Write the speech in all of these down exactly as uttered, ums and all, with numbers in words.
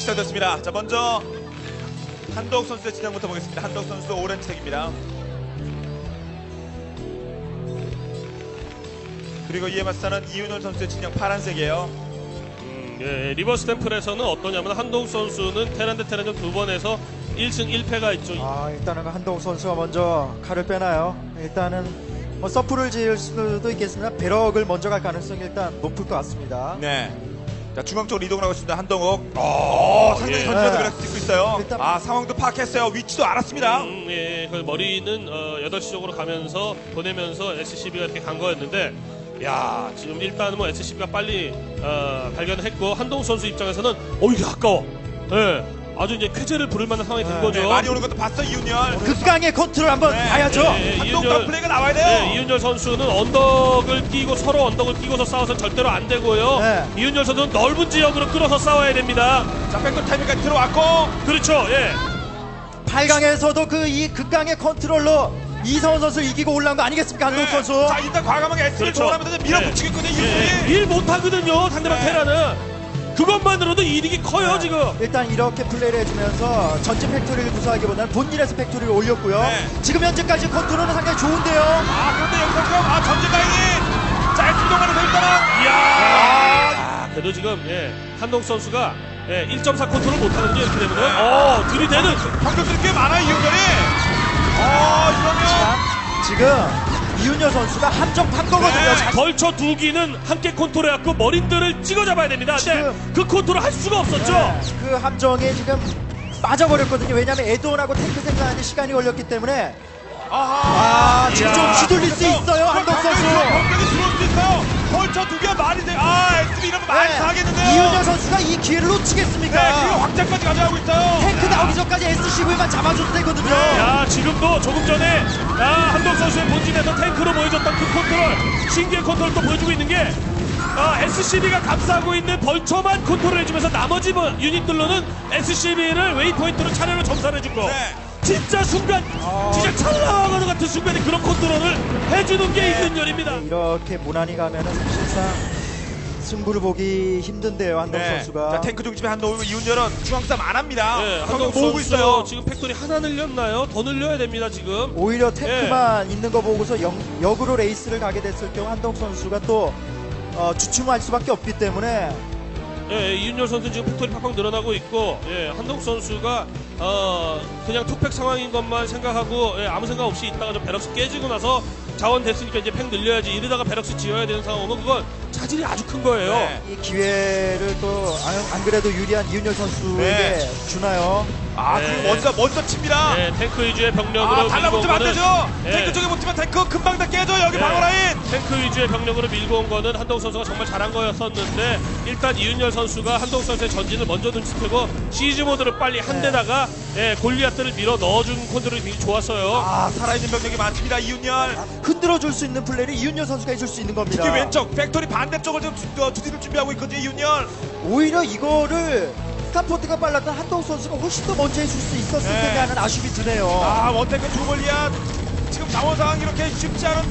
시작됐습니다. 자, 먼저 한동욱 선수의 진영부터 보겠습니다. 한동욱 선수 오렌지색입니다. 그리고 이에 맞서는 이윤열 선수의 진영 파란색이에요. 음, 예, 리버스 템플에서는 어떠냐면 한동욱 선수는 테란 대 테란전 두 번에서 일 승 일 패가 있죠. 아, 일단은 한동욱 선수가 먼저 칼을 빼나요. 일단은 뭐 서프를 지을 수도 있겠으나 배럭을 먼저 갈 가능성이 일단 높을 것 같습니다. 네. 자, 중앙 쪽으로 이동을 하고 있습니다. 한동욱. 어, 상당히 예. 전진해서 네. 배럭 찍고 있어요. 일단- 아, 상황도 파악했어요. 위치도 알았습니다. 음, 예, 그 머리는 어, 여덟 시 쪽으로 가면서 보내면서 에스씨비가 이렇게 간 거였는데, 야, 지금 일단은 뭐 에스씨비가 빨리 어, 발견을 했고 한동욱 선수 입장에서는 어 이게 아까워. 예, 아주 이제 쾌재를 부를 만한 상황이 된 네, 거죠. 네, 많이 오는 것도 봤어, 이윤열. 극강의 컨트롤 한번 네. 봐야죠. 예, 예, 한동욱 이윤열- 플레이가 나와야 돼요. 네, 이윤열 선수는 언덕을 끼고 서로 언덕을 끼고서 싸워서 절대로 안 되고요. 네. 이윤열 선수는 넓은 지역으로 끌어서 싸워야 됩니다. 자, 백도 타이밍까지 들어왔고. 그렇죠. 예. 팔 강에서도 그 이 극강의 컨트롤로 이성훈 선수 이기고 올라온 거 아니겠습니까? 한동욱 네. 선수. 자, 일단 과감하게 S를 그렇죠. 동원하면서 밀어붙이고 있거든요, 예, 이윤열이. 일 못하거든요. 상대방 네. 테라는. 그것만으로도 이득이 커요, 네. 지금. 일단 이렇게 플레이를 해주면서 전진 팩토리를 구사하기보다는 본인에서 팩토리를 올렸고요. 네. 지금 현재까지 컨트롤은 상당히 좋은데요. 아, 그런데 여기서 지금, 아, 전진 라인이. 자, S 동안에서 일단은. 이야. 아, 아, 그래도 지금, 예. 한동 선수가 예, 일 점 사 컨트롤 못하거든요, 이렇게 되면은. 어, 들이대는. 경력들이 꽤 많아요, 이윤열이. 어, 이러면. 자, 지금 이윤열 선수가 함정 판 거거든요. 네. 자, 벌처 두 기는 함께 컨트롤해갖고 머린들을 찍어 잡아야 됩니다. 근데 지금- 그 컨트롤 할 수가 없었죠. 네, 그 함정에 지금 빠져버렸거든요. 왜냐하면 에드온하고 탱크 생산하는 시간이 걸렸기 때문에. 아하. 아, 지금 좀 이야. 휘둘릴 수 있어요, 한동 선수. 병력이 들어올 수 있어요. 벌처 두 개가 말이 돼. 아, 에스비 이러면 많이 네, 사겠는데요. 이윤열 선수가 이 기회를 네, 놓치겠습니까? 그리고 확장까지 가져가고 있어요. 탱크 나오기 전까지 에스씨브이만 잡아줘도 되거든요. 야, 지금도 조금 전에 야, 한동 선수의 본진에서 탱크로 보여줬던 그 컨트롤, 신기의 컨트롤 또 보여주고 있는 게 아, 에스씨비가 감싸고 있는 벌처만 컨트롤해주면서 나머지 뭐 유닛들로는 에스씨비를 웨이포인트로 차례로 점사해준 거. 네. 진짜 순간, 진짜 찰나와가는 같은 순간에 그런 컨트롤을 해주는 게 이윤열입니다. 이렇게 무난히 가면은 사실상 승부를 보기 힘든데요, 한동 네. 선수가. 자, 탱크 중심에 한동욱 이윤열은 중앙싸움 안 합니다. 네, 경력 한동 모으고 선수 있어요. 지금 팩토리 하나 늘렸나요? 더 늘려야 됩니다 지금. 오히려 탱크만 있는 거 보고서 영, 역으로 레이스를 가게 됐을 경우 한동 선수가 또 어, 주춤할 수밖에 없기 때문에. 예, 이윤열 선수 지금 팩토리 팍팍 늘어나고 있고, 예, 한동 선수가 어 그냥 투팩 상황인 것만 생각하고 예, 아무 생각 없이 있다가 좀 베럭스 깨지고 나서 자원 됐으니까 이제 팩 늘려야지 이러다가 베럭스 지어야 되는 상황은 그건 차질이 아주 큰 거예요. 네. 이 기회를 또 안 그래도 유리한 이윤열 선수에게 네. 주나요? 아, 네. 그리고 먼저 먼저 칩니다. 예, 탱크 위주의 병력으로 아, 달라붙으면 안 밀고 되죠. 온 거는, 예, 탱크 쪽에 붙으면 탱크 금방 다 깨져. 여기 예, 방어 라인. 탱크 위주의 병력으로 밀고 온 거는 한동 선수가 정말 잘한 거였었는데 일단 이윤열 선수가 한동 선수의 전진을 먼저 눈치채고 시즈 모드를 빨리 한 네. 데다가 예, 골리앗들을 밀어 넣어준 컨트롤이 굉장히 좋았어요. 아, 살아있는 병력이 많습니다. 이윤열. 흔들어 줄 수 있는 플레이를 이윤열 선수가 해줄 수 있는 겁니다. 특히 왼쪽 팩토리 반대쪽을 지금 주- 어, 주디를 준비하고 있거든요. 이윤열. 오히려 이거를 스타포트가 빨랐던 한동 선수가 훨씬 더 먼저 해줄 수 있었을 네. 텐데 하는 아쉬움이 드네요. 아, 원탱크 두 골리앗. 지금 자원 상황 이렇게 쉽지 않은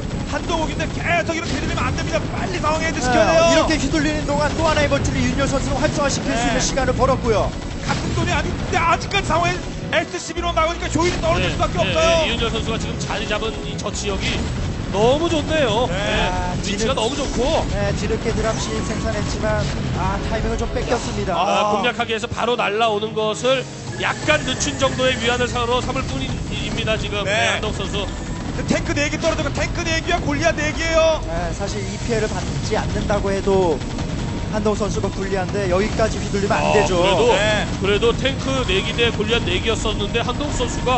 한동욱인데 계속 이렇게 되면 안 됩니다. 빨리 상황 헤드 시켜야 돼요. 네, 이렇게 휘둘리는 동안 또 하나의 벌트를 이윤열 선수는 활성화시킬 수 네. 있는 시간을 벌었고요. 같은 돈이 아닌데 아직까지 상황에 에스씨비로 나오니까 조율이 떨어질 수밖에 예, 없어요. 예, 이윤열 선수가 지금 자리 잡은 이 저 지역이 너무 좋네요. 네. 예, 위치가 지금- 너무 좋고 네, 뒤늦게 드랍시 생산했지만 아 타이밍을 좀 뺏겼습니다. 아, 공략하기 위해서 바로 날라오는 것을 약간 늦춘 정도의 위안을 상으로 삼을 뿐입니다 지금 네. 네, 한동 선수. 그 탱크 네 개 떨어지고 탱크 네 개와 골리앗 네 개예요. 네, 사실 이 피해를 받지 않는다고 해도 한동 선수가 불리한데 여기까지 휘둘리면 안 아, 되죠. 그래도 네. 그래도 탱크 네 기 대 골리앗 네 개였었는데 한동 선수가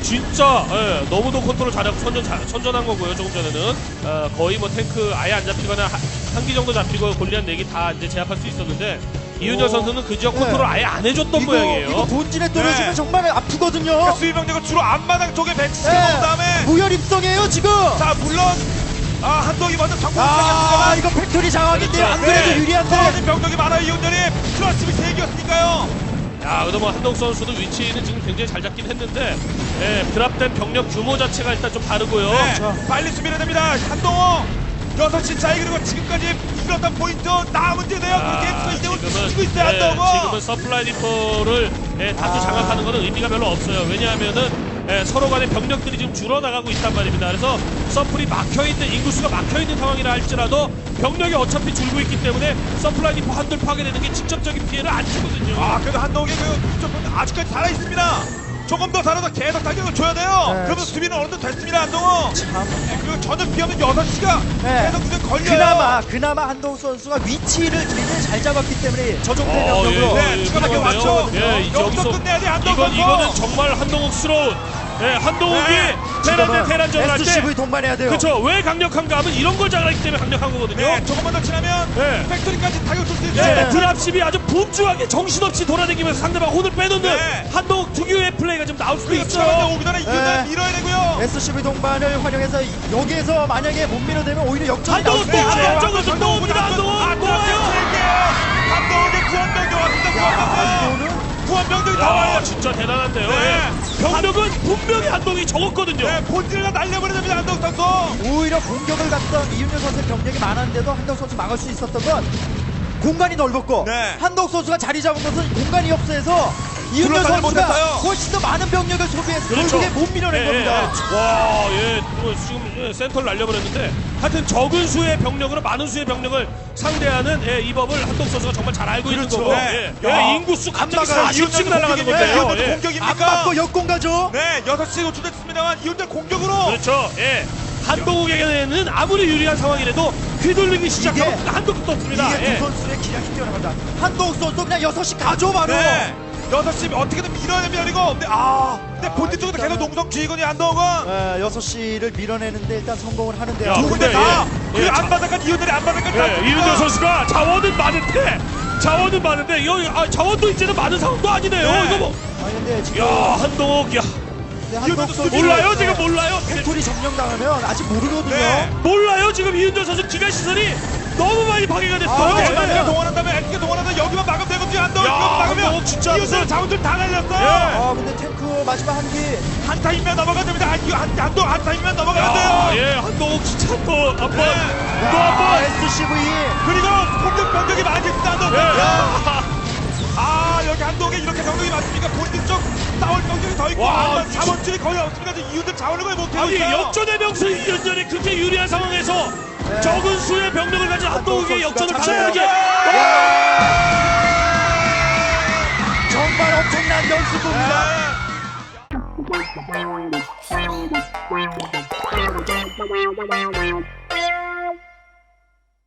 진짜 예, 너무도 컨트롤 잘하고 선전, 잘- 선전한 거고요. 조금 전에는 어, 거의 뭐 탱크 아예 안 잡히거나 한 기 정도 잡히고 골리앗 네 개 다 이제 제압할 수 있었는데 이윤열 오. 선수는 그 지역 네. 컨트롤 아예 안 해줬던 이거, 모양이에요. 이거 본진에 떨어지면 네. 정말 아프거든요. 그러니까 수비병력은 주로 앞마당 쪽에 배치시켜 네. 놓은 다음에 무혈 입성이에요 지금. 자, 물론 아, 한동이 먼저 성공을 아 하겠습니다만 이거 팩토리 상황인데요. 안 그렇죠. 그래도 네. 유리한데. 떨어진 병력이 많아요. 이윤열이 플러스 세 개였으니까요. 야, 그래도 뭐 한동 선수도 위치는 지금 굉장히 잘 잡긴 했는데 예, 드랍된 병력 규모 자체가 일단 좀 다르고요. 네. 그렇죠. 빨리 수비해야 됩니다. 한동호. 여섯 시 차이 그리고 지금까지 이끌었던 포인트 나 문제네요. 그렇게 해서 이대로 지고 있어요. 예, 한동호. 지금은 서플라이 디포를 예, 다수 아. 장악하는 것은 의미가 별로 없어요. 왜냐하면은 예, 서로 간의 병력들이 지금 줄어나가고 있단 말입니다. 그래서 서플이 막혀있는, 인구수가 막혀있는 상황이라 할지라도 병력이 어차피 줄고 있기 때문에 서플라이 디포 한돌 파괴되는 게 직접적인 피해를 안 주거든요. 아 그래도 한동욱이 그 아직까지 살아 있습니다. 조금 더 살아서 계속 타격을 줘야 돼요. 네. 그러면 수비는 어느 정도 됐습니다. 한동욱. 참. 네, 그리고 전혀 비하면 여섯 시가 네. 계속 그냥 걸려요. 그나마 그나마 한동욱 선수가 위치를 굉장히 잘 잡았기 때문에 저 정도의 어, 병력으로 네, 예, 추가 타격 그러네요. 맞죠? 예, 이제 여기서 여기서 끝내야 돼, 한동욱 이건 선수. 이거는 정말 한동욱스러운 예, 한동욱이 네, 테란 대 테란전을 할 때 에스씨브이 동반해야 돼요. 그렇죠. 왜 강력한가 하면 이런 걸 잘하기 때문에 강력한 거거든요. 네, 조금만 더 지나면 네. 팩토리까지 타격 줄 수 있어요. 예, 네. 드랍십이 아주 분주하게 정신없이 돌아다니면서 상대방 혼을 빼놓는 네. 한동욱 특유의 플레이가 좀 나올 수도 그리고 있어요. 추가만 오기 전에 이윤을 네. 밀어야 되고요. 에스씨브이 동반을 활용해서 여기에서 만약에 못 밀어내면 오히려 역전이 나올 한동욱 수 또 있어요. 와요. 한동욱 또 옵니다. 한동욱 아, 또 와요. 한동욱의 구원병력 왔습니다. 구원병력. 이거는 구원병력이 다 야, 와요. 진짜 대단한데요. 네. 예. 병력은 분명히 한동욱이 적었거든요. 네, 본질을 다 날려버려야 됩니다. 한동욱 선수. 오히려 공격을 갔던 이윤열 선수의 병력이 많았는데도 한동욱 선수 막을 수 있었던 건 공간이 넓었고 네. 한동욱 선수가 자리 잡은 것은 공간이 없어서 이윤열 둘러싸지 선수가 못했어요. 훨씬 더 많은 병력을 소비해서 그렇죠. 결국에 못 밀어낸 예, 겁니다. 예. 와, 예, 뭐 지금 예, 센터를 날려버렸는데 하여튼 적은 수의 병력으로 많은 수의 병력을 상대하는 예, 이 법을 한동 선수가 정말 잘 알고 그렇죠. 있는 거고 네. 예, 야. 예, 인구수 갑자기 막아요. 사십씩 이윤열도 날아가는 공격입니까? 건데요. 이윤열도 예. 안 공격입니까? 맞고 역공 가죠. 네, 여섯 시에 노출됐습니다만 이윤열 공격으로. 그렇죠. 예. 한동욱에게는 아무리 유리한 상황이라도 휘둘리기 시작하면 이게- 한도 끝도 없습니다. 이게 예. 두 선수의 기량이 뛰어납니다. 한동욱 선수 그냥 여섯 시 가죠 바로. 네. 여섯 시 어떻게든 밀어야 됩니다. 그리고 근데 아, 근데 본진 쪽에도 일단은- 계속 농성 지휘건이 한동욱은 네, 여섯 시를 밀어내는데 일단 성공을 하는데요. 야, 두 군데 근데 다. 예, 그리고 예, 안 받아간 이윤열이 안 받아간 예, 이윤정 선수가 자원은 많은데 자원은 많은데 여기 아, 자원도 이제는 많은 상황도 아니네요. 네. 이거 뭐. 아니 근데 지금 야, 한동욱 야. 근데 한동욱 이윤열도 선수 몰라요 지금 몰라요. 팩토리 점령당하면 아직 모르거든요. 네. 몰라요 지금 이윤정 선수 기가 시설이 너무 많이 파괴가 됐어요. 아, 에스가 네. 동원한다면 에스가 동원한다면 여기만 막으면 되거든요. 한동욱 야, 이거 막으면 한동욱 진짜 이윤열 무슨- 자원줄 다 날렸어요. 예. 아 근데 탱크 마지막 한 기. 한타임면 넘어가야 됩니다. 한, 한, 한동 한타임면 넘어가야 야, 돼요. 예, 한동욱 진짜 또 한 번, 네. 또 한 번. 에스씨브이. 그리고 공격 병력이 많겠습니다. 한동. 예. 야. 아 여기 한동에 이렇게 병력이 많습니까? 본진 쪽 싸울 병력이 더 있고 와, 아, 자원줄이 거의 없습니다. 이윤들 자원을 거의 못해요. 아니 역전의 명수 이윤전이 그렇게 유리한 상황에서 네. 적은 수의 병력을 가진 한동욱의 한동욱 역전을 선수가 가능하게. 정말 엄청난 연습입니다. 네. Wow, wow, wow, wow.